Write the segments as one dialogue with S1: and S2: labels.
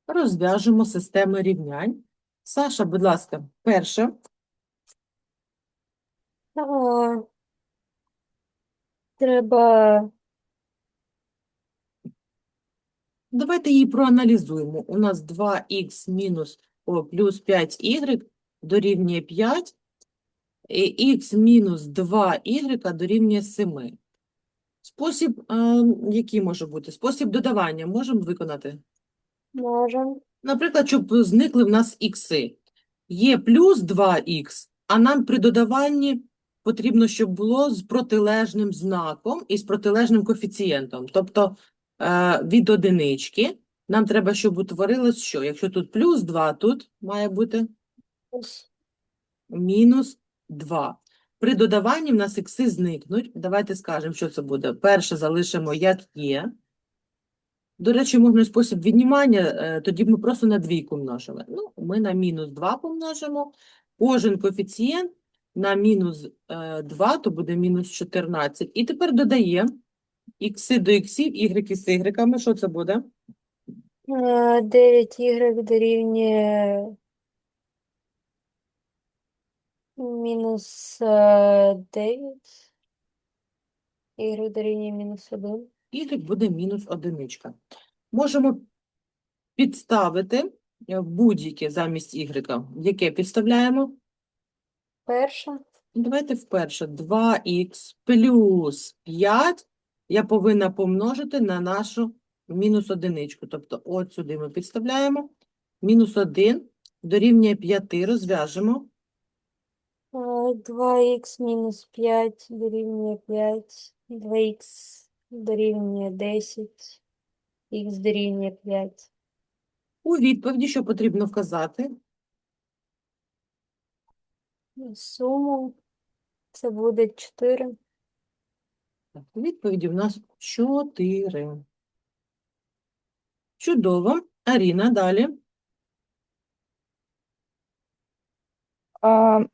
S1: Розв'яжемо системи рівнянь. Саша, будь ласка, перше.
S2: А, треба
S1: Давайте її проаналізуємо. У нас 2х плюс 5y дорівнює 5, і х мінус 2y дорівнює 7. Спосіб, який може бути? Спосіб додавання можемо виконати?
S2: можемо.
S1: Наприклад, щоб зникли в нас ікси. Є плюс 2х, а нам при додаванні потрібно, щоб було з протилежним знаком і з протилежним коефіцієнтом. Тобто від одинички нам треба, щоб утворилось що? Якщо тут плюс 2, тут має бути мінус 2. При додаванні в нас ікси зникнуть. Давайте скажемо, що це буде. Перше залишимо як є. До речі, можна спосіб віднімання, тоді б ми просто на двійку множили. Ну, ми на мінус 2 помножимо. Кожен коефіцієнт на мінус 2, то буде мінус 14. І тепер додаємо ікси до іксів, ігреки з ігреками. Що це буде?
S2: 9y дорівнює мінус 9. Y дорівнює мінус 1.
S1: Ігрек буде мінус одиничка. Можемо підставити будь-яке замість ігрека. Яке підставляємо?
S2: Перша.
S1: Давайте вперше 2х плюс 5 я повинна помножити на нашу мінус одиничку. Тобто от сюди ми підставляємо. Мінус 1 дорівнює 5, розв'яжемо.
S2: 2х мінус 5 дорівнює 5. 2х дорівнює 10. Х дорівнює 5.
S1: У відповіді, що потрібно вказати?
S2: Суму це буде 4.
S1: Так, у відповіді в нас 4. Чудово. Аріна, далі.
S3: А,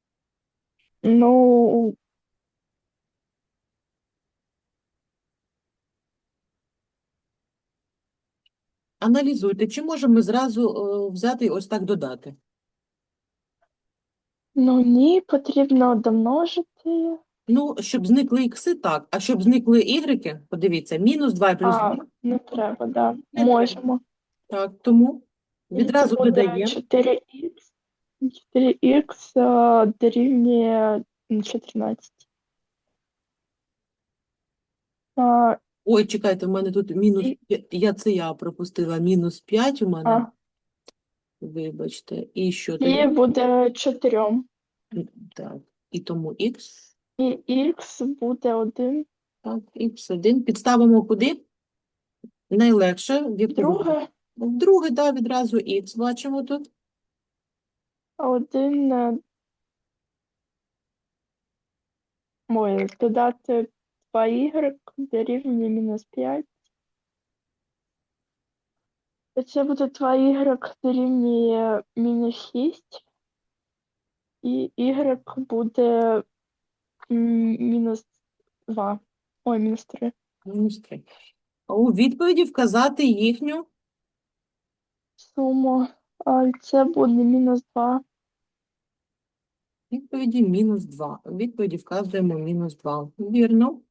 S3: ну,
S1: Аналізуйте, чи можемо ми зразу взяти і ось так додати?
S3: ні, потрібно домножити.
S1: Ну, щоб зникли ікси, так. А щоб зникли ігреки, подивіться, мінус 2 плюс 2
S3: Не треба, да.
S1: не треба.
S3: Можемо.
S1: Так, тому
S3: І це
S1: відразу
S3: буде
S1: додаємо.
S3: 4х. 4х дорівнює 14. А,
S1: Ой, чекайте, в мене тут мінус,
S3: і,
S1: я пропустила, мінус 5 у мене,
S3: а,
S1: вибачте. І що
S3: і
S1: тоді?
S3: буде 4.
S1: Так, і тому х,
S3: І х буде 1.
S1: так, х1. Підставимо куди? Найлегше, в яку
S3: Друге,
S1: в друге, да, відразу х бачимо тут.
S3: 1, додати 2y дорівнює мінус 5. Це буде 2y дорівнює мінус 6, і y буде мінус 2. Ой, мінус 3.
S1: Мінус 3. У відповіді вказати їхню
S3: Суму. Це буде мінус 2.
S1: відповіді мінус 2. У відповіді вказуємо мінус 2. Вірно.